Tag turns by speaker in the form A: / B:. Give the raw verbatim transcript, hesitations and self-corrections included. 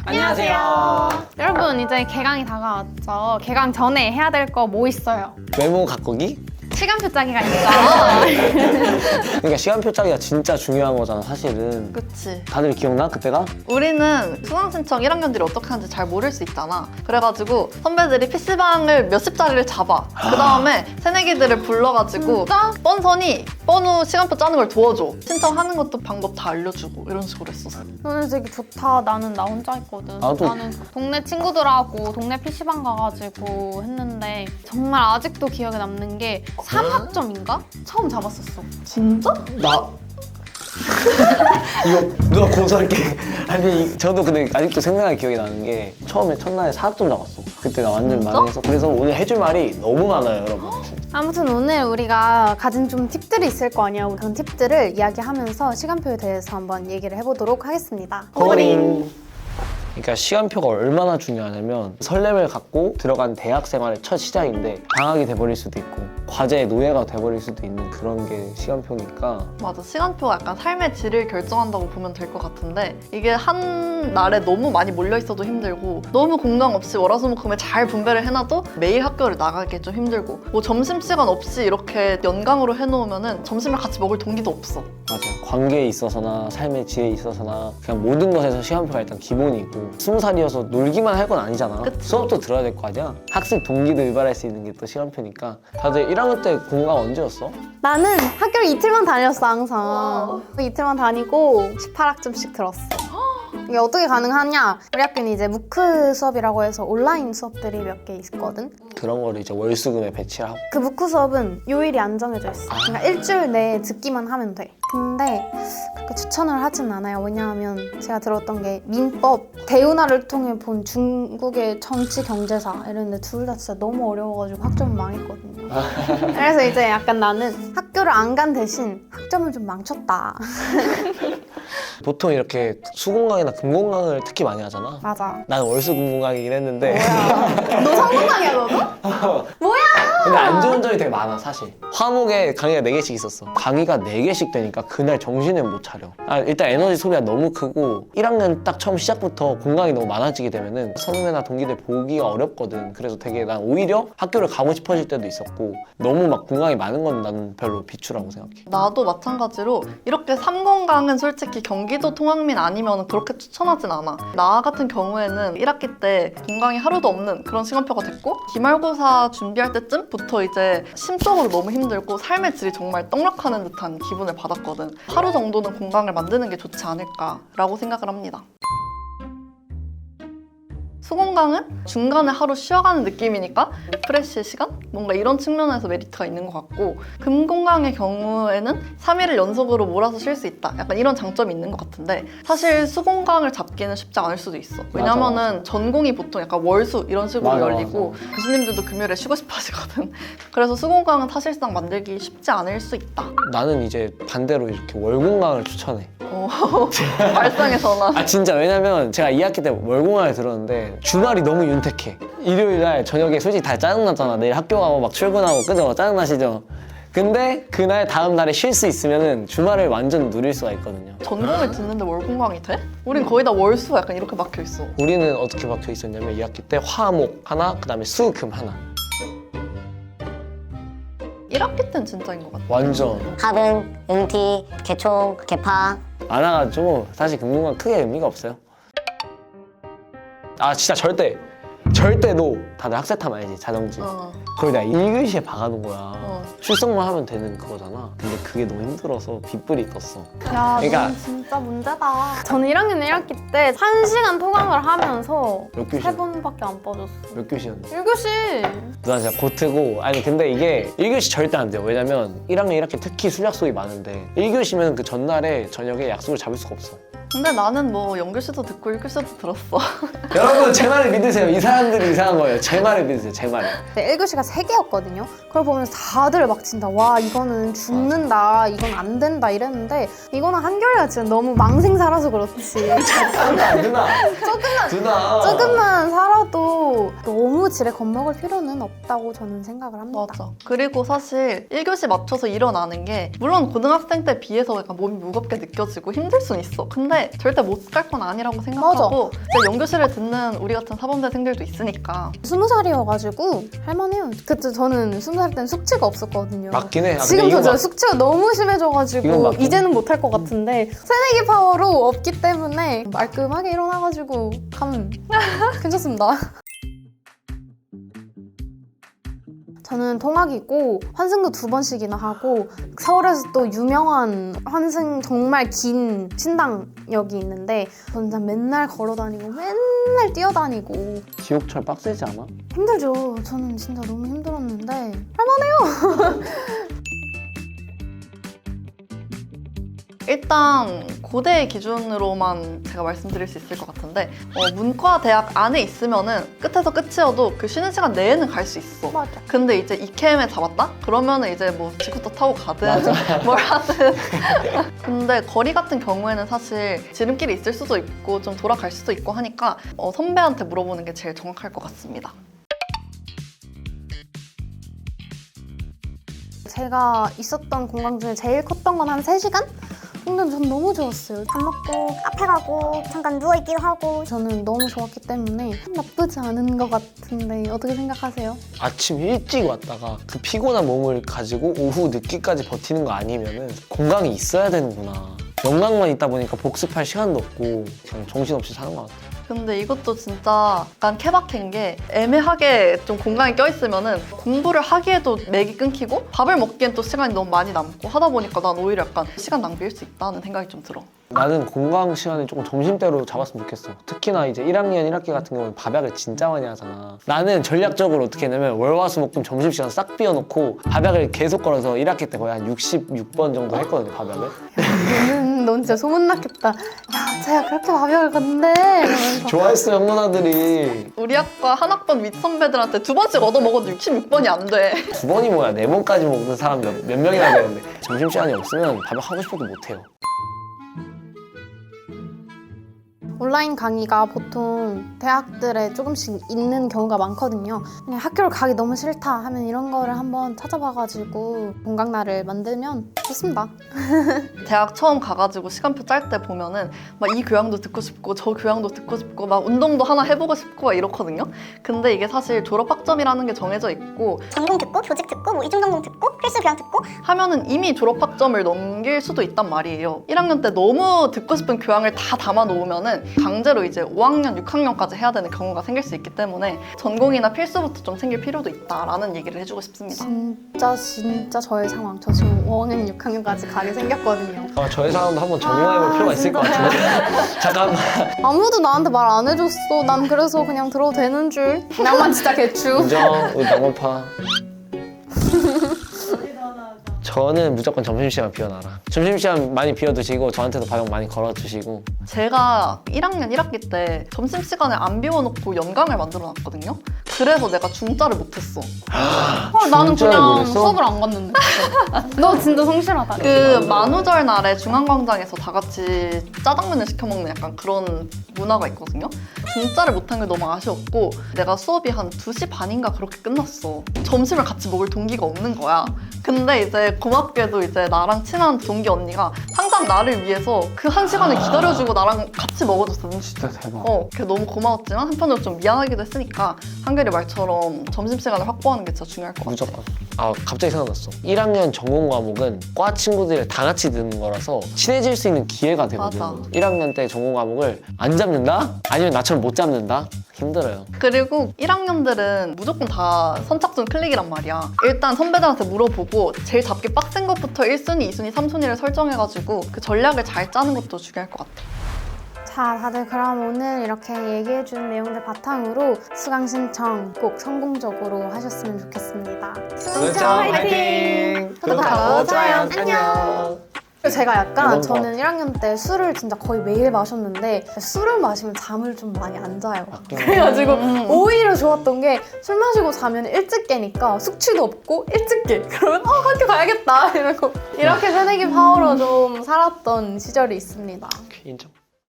A: 안녕하세요.
B: 여러분 이제 개강이 다가왔죠. 개강 전에 해야 될 거 뭐 있어요?
A: 메모 가꾸기?
B: 시간표 짜기가 있죠.
A: 그러니까 시간표 짜기가 진짜 중요한 거잖아 사실은.
C: 그치.
A: 다들 기억나 그때가?
C: 우리는 수강신청 일 학년들이 어떻게 하는지 잘 모를 수 있잖아. 그래가지고 선배들이 피시방을 몇십 자리를 잡아. 그 다음에 새내기들을 불러가지고
B: 진짜?
C: 뻔선이 뻔후 시간표 짜는 걸 도와줘. 신청하는 것도 방법 다 알려주고 이런 식으로 했었어.
B: 너는 되게 좋다. 나는 나 혼자 했거든.
A: 나도.
B: 나는 동네 친구들하고 동네 피시방 가가지고 했는데 정말 아직도 기억에 남는 게 삼 학점인가? 처음 잡았었어.
C: 진짜?
A: 나 이거 누가 고소할게. 아니 이- 저도 근데 아직도 생생하게 기억이 나는 게 처음에 첫날에 사 학점 잡았어. 그때 나 완전
C: 진짜?
A: 망해서. 그래서 오늘 해줄 말이 너무 많아요 여러분.
B: 아무튼 오늘 우리가 가진 좀 팁들이 있을 거 아니야. 그런 팁들을 이야기하면서 시간표에 대해서 한번 얘기를 해보도록 하겠습니다.
A: 코딩. 그러니까 시간표가 얼마나 중요하냐면 설렘을 갖고 들어간 대학 생활의 첫 시작인데 방학이 돼버릴 수도 있고 과제의 노예가 돼버릴 수도 있는 그런 게 시간표니까.
C: 맞아. 시간표가 약간 삶의 질을 결정한다고 보면 될 것 같은데 이게 한 날에 너무 많이 몰려있어도 힘들고 너무 공강 없이 월화수목금에 잘 분배를 해놔도 매일 학교를 나가기 좀 힘들고 뭐 점심시간 없이 이렇게 연강으로 해놓으면 점심을 같이 먹을 동기도 없어.
A: 맞아요. 관계에 있어서나 삶의 질에 있어서나 그냥 모든 것에서 시간표가 일단 기본이고 스무 살이어서 놀기만 할 건 아니잖아.
C: 그치.
A: 수업도 들어야 될 거 아니야. 학습 동기도 유발할 수 있는 게 또 시간표니까. 다들 일 학년 때 공강 언제였어?
B: 나는 학교를 이틀만 다녔어 항상.
C: 와.
B: 이틀만 다니고 십팔 학점씩 들었어. 이게 어떻게 가능하냐? 우리 학교는 이제 무크 수업이라고 해서 온라인 수업들이 몇 개 있거든.
A: 그런 거를 이제 월수금에 배치를 하고.
B: 그 무크 수업은 요일이 안 정해져 있어. 그러니까 일주일 내에 듣기만 하면 돼. 근데 그렇게 추천을 하진 않아요. 왜냐하면 제가 들었던 게 민법, 대운하를 통해 본 중국의 정치 경제사 이런데 둘 다 진짜 너무 어려워가지고 학점 망했거든요. 그래서 이제 약간 나는 학교를 안 간 대신 학점을 좀 망쳤다.
A: 보통 이렇게 수공강이나 금공강을 특히 많이 하잖아.
B: 맞아.
A: 나는 월수금공강이긴 했는데
B: 너 성공강이야 너도?
A: 근데 안 좋은 점이 되게 많아 사실. 화목에 강의가 네 개씩 있었어. 강의가 네 개씩 되니까 그날 정신을 못 차려. 아, 일단 에너지 소비가 너무 크고 일 학년 딱 처음 시작부터 공강이 너무 많아지게 되면은 선후배나 동기들 보기가 어렵거든. 그래서 되게 난 오히려 학교를 가고 싶어질 때도 있었고 너무 막 공강이 많은 건 나는 별로 비추라고 생각해.
C: 나도 마찬가지로 이렇게 삼공강은 솔직히 경기도 통학민 아니면 그렇게 추천하진 않아. 나 같은 경우에는 일 학기 때 공강이 하루도 없는 그런 시간표가 됐고 기말고사 준비할 때쯤부터 이제 심적으로 너무 힘들고 삶의 질이 정말 떡락하는 듯한 기분을 받았거든. 하루 정도는 공강을 만드는 게 좋지 않을까라고 생각을 합니다. 수공강은 중간에 하루 쉬어가는 느낌이니까 리프레쉬 시간? 뭔가 이런 측면에서 메리트가 있는 것 같고 금공강의 경우에는 삼 일을 연속으로 몰아서 쉴 수 있다. 약간 이런 장점이 있는 것 같은데 사실 수공강을 잡기는 쉽지 않을 수도 있어. 왜냐면은
A: 맞아, 맞아.
C: 전공이 보통 약간 월수 이런 식으로
A: 맞아,
C: 열리고 교수님들도 금요일에 쉬고 싶어 하시거든. 그래서 수공강은 사실상 만들기 쉽지 않을 수 있다.
A: 나는 이제 반대로 이렇게 월공강을 추천해.
C: 어, 발상의 전환.
A: 아 진짜 왜냐면 제가 이 학기 때 월공강을 들었는데 주말이 너무 윤택해. 일요일 날 저녁에 솔직히 다 짜증나잖아. 내일 학교 가고 막 출근하고 그죠? 짜증나시죠? 근데 그날 다음 날에 쉴 수 있으면은 주말을 완전 누릴 수가 있거든요.
C: 전공을 듣는데 월공강이 돼? 우린 거의 다 월수 약간 이렇게 막혀 있어.
A: 우리는 어떻게 박혀 있었냐면 이 학기 때 화목 하나, 그 다음에 수, 금 하나.
C: 일 학기 때는 진짜인 것 같아.
A: 완전
D: 합은, 응티, 개총, 개파.
A: 많아가지고 사실 금융은 크게 의미가 없어요. 아 진짜 절대 절대 노. 다들 학세탐 알지? 자정지.
C: 어.
A: 거의 나 일 교시에 박아놓은 거야.
C: 어.
A: 출석만 하면 되는 그거잖아. 근데 그게 너무 힘들어서 빗불이 떴어.
B: 야,
A: 그러니까-
B: 넌 진짜 문제다. 저는 일 학년 일 학기 때 한 시간 토강을 하면서
A: 몇 교시?
B: 세 번밖에 안 빠졌어.
A: 몇 교시였는데?
B: 일 교시.
A: 누나 진짜 고트고. 아니 근데 이게 일 교시 절대 안 돼요. 왜냐면 일 학년 일 학기 특히 술 약속이 많은데 일 교시면 그 전날에 저녁에 약속을 잡을 수가 없어.
C: 근데 나는 뭐 영교시도 듣고 일교시도 들었어.
A: 여러분 제 말을 믿으세요. 이 사람들이 이상한 거예요. 제 말을 믿으세요. 제 말을.
B: 네, 일 교시가 세 개였거든요. 그걸 보면서 다들 막 진짜 와 이거는 죽는다, 이건 안 된다 이랬는데 이거는 한결이가 진짜 너무 망생 살아서 그렇지.
A: 누나 누나.
B: 조금만
A: 누나.
B: 조금만 살아도 너무 질에 겁먹을 필요는 없다고 저는 생각을 합니다.
C: 맞아. 그리고 사실 일 교시 맞춰서 일어나는 게 물론 고등학생 때 비해서 약간 몸이 무겁게 느껴지고 힘들 순 있어. 근데 근데 절대 못 갈 건 아니라고 생각하고 이제 연교실을 듣는 우리 같은 사범대생들도 있으니까.
B: 스무 살이어가지고 할만해요. 그때 저는 스무 살 때는 숙취가 없었거든요.
A: 맞긴 해. 아, 근데
B: 지금
A: 이거
B: 저
A: 막-
B: 숙취가 너무
A: 이건
B: 심해져가지고
A: 맞긴
B: 이제는 못할 것 같은데 새내기 파워로 없기 때문에 말끔하게 일어나가지고 가면 괜찮습니다. 저는 통학이고 환승도 두 번씩이나 하고 서울에서 또 유명한 환승 정말 긴 신당역이 있는데 저는 진짜 맨날 걸어다니고 맨날 뛰어다니고
A: 지옥철 빡세지 않아?
B: 힘들죠. 저는 진짜 너무 힘들었는데 할만해요.
C: 일단 고대 기준으로만 제가 말씀드릴 수 있을 것 같은데 어, 문과 대학 안에 있으면은 끝에서 끝이어도 그 쉬는 시간 내에는 갈 수 있어.
B: 맞아.
C: 근데 이제 이케엠에 잡았다? 그러면은 이제 뭐 지구도 타고 가든 뭘 하든. 근데 거리 같은 경우에는 사실 지름길이 있을 수도 있고 좀 돌아갈 수도 있고 하니까 어, 선배한테 물어보는 게 제일 정확할 것 같습니다.
B: 제가 있었던 공강 중에 제일 컸던 건 한 세 시간? 근데 전 너무 좋았어요.
E: 밥 먹고 카페 가고 잠깐 누워있기도 하고.
B: 저는 너무 좋았기 때문에 나쁘지 않은 것 같은데 어떻게 생각하세요?
A: 아침 일찍 왔다가 그 피곤한 몸을 가지고 오후 늦게까지 버티는 거 아니면은 건강이 있어야 되는구나. 영광만 있다 보니까 복습할 시간도 없고 그냥 정신없이 사는 것 같아.
C: 근데 이것도 진짜 약간 케바케인 게 애매하게 좀 공간이 껴있으면은 공부를 하기에도 맥이 끊기고 밥을 먹기엔 또 시간이 너무 많이 남고 하다 보니까 난 오히려 약간 시간 낭비일 수 있다는 생각이 좀 들어.
A: 나는 공강 시간을 조금 점심때로 잡았으면 좋겠어. 특히나 이제 일 학년 일 학기 같은 경우는 밥약을 진짜 많이 하잖아. 나는 전략적으로 어떻게 했냐면 월화수목금 점심시간 싹 비워놓고 밥약을 계속 걸어서 일 학기 때 거의 한 육십육 번 정도 했거든요, 밥약을.
B: 너는 넌 진짜 소문났겠다. 야, 제가 그렇게 밥약을 갔는데 이러면서.
A: 좋아했어, 형 누나들이.
C: 우리 학과 한 학번 윗 선배들한테 두 번씩 얻어 먹어도 육십육 번이 안 돼.
A: 두 번이 뭐야, 네 번까지 먹는 사람 몇, 몇 명이나 되는데. 점심시간이 없으면 밥약 하고 싶어도 못해요.
B: 온라인 강의가 보통 대학들에 조금씩 있는 경우가 많거든요. 그냥 학교를 가기 너무 싫다 하면 이런 거를 한번 찾아봐가지고 공강날을 만들면 좋습니다.
C: 대학 처음 가가지고 시간표 짤 때 보면은 막 이 교양도 듣고 싶고 저 교양도 듣고 싶고 막 운동도 하나 해보고 싶고 막 이렇거든요. 근데 이게 사실 졸업 학점이라는 게 정해져 있고
E: 전공 듣고 교직 듣고 뭐 이중 전공 듣고 필수 교양 듣고.
C: 하면은 이미 졸업 학점을 넘길 수도 있단 말이에요. 일 학년 때 너무 듣고 싶은 교양을 다 담아 놓으면은 강제로 이제 오 학년, 육 학년까지 해야 되는 경우가 생길 수 있기 때문에 전공이나 필수부터 좀 챙길 필요도 있다라는 얘기를 해주고 싶습니다.
B: 진짜 진짜 저의 상황. 저 지금 오 학년, 육 학년까지 가게 생겼거든요.
A: 아, 저희 사람도 한번 적용해볼
B: 아,
A: 필요가 있을 것 같은데. 잠깐만.
B: 아무도 나한테 말 안 해줬어. 난 그래서 그냥 들어도 되는 줄. 나만 진짜 개추.
A: 인정, 우리 낭만파. 저는 무조건 점심시간 비워놔라. 점심시간 많이 비워두시고 저한테도 밥약 많이 걸어주시고.
C: 제가 일 학년 일 학기 때 점심시간을 안 비워놓고 연강을 만들어놨거든요. 그래서 내가 중짜를 못했어.
B: 헐, 나는
A: 진짜로
B: 그냥
A: 그랬어?
B: 수업을 안 갔는데. 너 진짜 성실하다.
C: 그 만우절 날에 중앙광장에서 다 같이 짜장면을 시켜 먹는 약간 그런 문화가 있거든요. 중짜를 못한 게 너무 아쉬웠고 내가 수업이 한 두 시 반인가 그렇게 끝났어. 점심을 같이 먹을 동기가 없는 거야. 근데 이제 고맙게도 이제 나랑 친한 동기 언니가 항상 나를 위해서 그 한 시간을 기다려주고 나랑 같이 먹어줬어.
A: 진짜 대박.
C: 어, 그게 너무 고마웠지만 한편으로 좀 미안하기도 했으니까 한결이 말처럼 점심시간을 확보하는 게 진짜 중요할 것 같아.
A: 무조건. 아, 갑자기 생각났어. 일 학년 전공 과목은 과 친구들이 다 같이 듣는 거라서 친해질 수 있는 기회가 되거든.
C: 맞아.
A: 일 학년 때 전공 과목을 안 잡는다? 아니면 나처럼 못 잡는다? 힘들어요.
C: 그리고 일 학년들은 무조건 다 선착순 클릭이란 말이야. 일단 선배들한테 물어보고 제일 잡기 빡센 것부터 일 순위, 이 순위, 삼 순위를 설정해가지고 그 전략을 잘 짜는 것도 중요할 것 같아.
B: 자, 다들 그럼 오늘 이렇게 얘기해준 내용들 바탕으로 수강 신청 꼭 성공적으로 하셨으면 좋겠습니다.
E: 수강 화이팅!
B: 구독하고 좋아요,
A: 안녕.
B: 제가 약간
A: 이런 거.
B: 저는 일 학년 때 술을 진짜 거의 매일 마셨는데 술을 마시면 잠을 좀 많이 안 자요. 그래가지고
C: 음.
B: 오히려 좋았던 게 술 마시고 자면 일찍 깨니까 숙취도 없고 일찍 깨. 그러면 어 학교 가야겠다 이러고 이렇게 새내기 파워로 좀 살았던 시절이 있습니다.
A: 인정.